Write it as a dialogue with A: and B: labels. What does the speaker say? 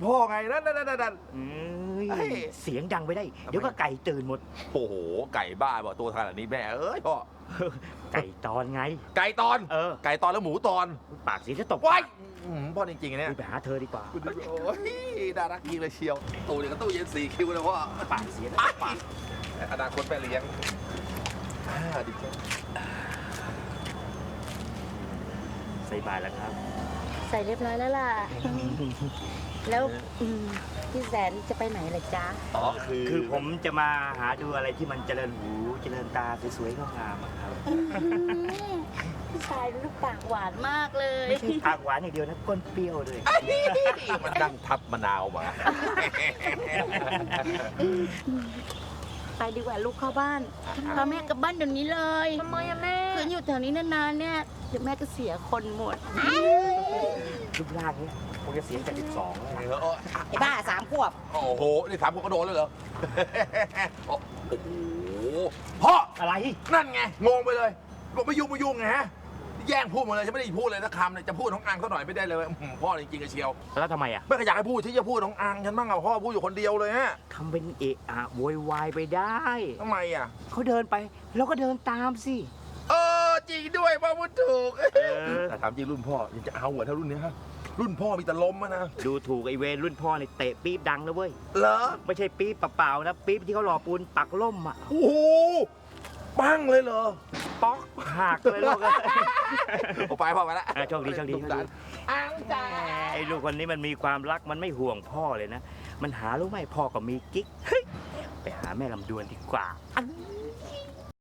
A: พ่อไงนั่น
B: เสียงดังไปได้เดี๋ยวก็ไก่ตื่นหมด
A: โอ้โหไก่บ้าบอกตัวขนาดนี้แม่เอ้ยพ่อ
B: ไก่ตอนไง
A: ไก่ตอนไก่ตอนแล้วหมูตอน
B: ปากสีจะตก
A: ว้ายพ่อจริงๆเนี่ย
B: ไปหาเธอดีกว่า
A: โอ้ยน่ารักจริงเลยเชียวตู้เดียวกับตู้เย็น4 คิวเลยพ่อ
B: ปากเสียปาก
A: อนาคตแม่เลี้ยงดีจัง
B: ใส่บาตรแล้วครับ
C: ใส่เรียบร้อยแล้วล่ะแล้วพี่แสนจะไปไหนล่ะจ๊ะ
B: คือผมจะมาหาดูอะไรที่มันเจริญหูเจริญตาสวยๆงามๆครับ
C: พี่ชายลูกปากหวานมากเลย
B: ไม่ใช่ปากหวานอย่างเดียวนะก้นเปรี้ยวเลย
A: มันดังทับมะนาวมา
C: ไปดีกว่าลูกเข้าบ้านพาแม่กลับบ้านเดี๋ยวนี้เลย
D: ทำไมอะแม่
C: คืนอยู่แถวนี้นานๆเนี่ยเดี๋ยวแม่ก็เสียคนหมด
B: รูปร่างนี้คงจะเสียจาก12แล้ว
C: ไอ้บ้า3 ขวบ
A: โอ้โหนี่3 ขวบก็โดนเลยเหรอโอ้โหพ่อ
B: อะไร
A: นั่นไงงงไปเลยบอกไม่ยุ่งไงฮะแย่งพูดหมดเลยฉันไม่ได้พูดเลยสักคำเลยจะพูดน้องอังเขาหน่อยไม่ได้เลยพ่อจริงๆเชียว
B: แล้วทำไมอ่ะ
A: ไม่อยากให้พูดที่จะพูดน้องอังฉันบ้างอะพ่อพูดอยู่คนเดียวเลยฮะ
B: ทำเป็นเอะอะโวยวายไปได้
A: ทำไมอ่ะ
B: เขาเดินไปแล้วก็เดินตามสิ
A: จริงด้วยพ่อพูดถูกแต่ถามจริงรุ่นพ่อยังจะเอาเหรอถ้ารุ่นนี้ฮะรุ่นพ่อมีแต่ลมนะ
B: ดูถูกไอเวรรุ่นพ่อในเตะปี๊บดังนะเว้ย
A: เหรอ
B: ไม่ใช่ปี๊บเปล่าๆนะปี๊บที่เขาหล่อปูนปักล่มอ่ะ
A: โอ้โหปั้งเลยเหรอ
B: ป๊อกหักเลยลูก
A: ไปพ่อไปแล้ว
B: โชคดี
A: อังจ๋า
B: ไอ้ลูกคนนี้มันมีความรักมันไม่ห่วงพ่อเลยนะมันหารู้ไหมพ่อก็มีกิ๊กไปหาแม่ลำดวนดีกว่า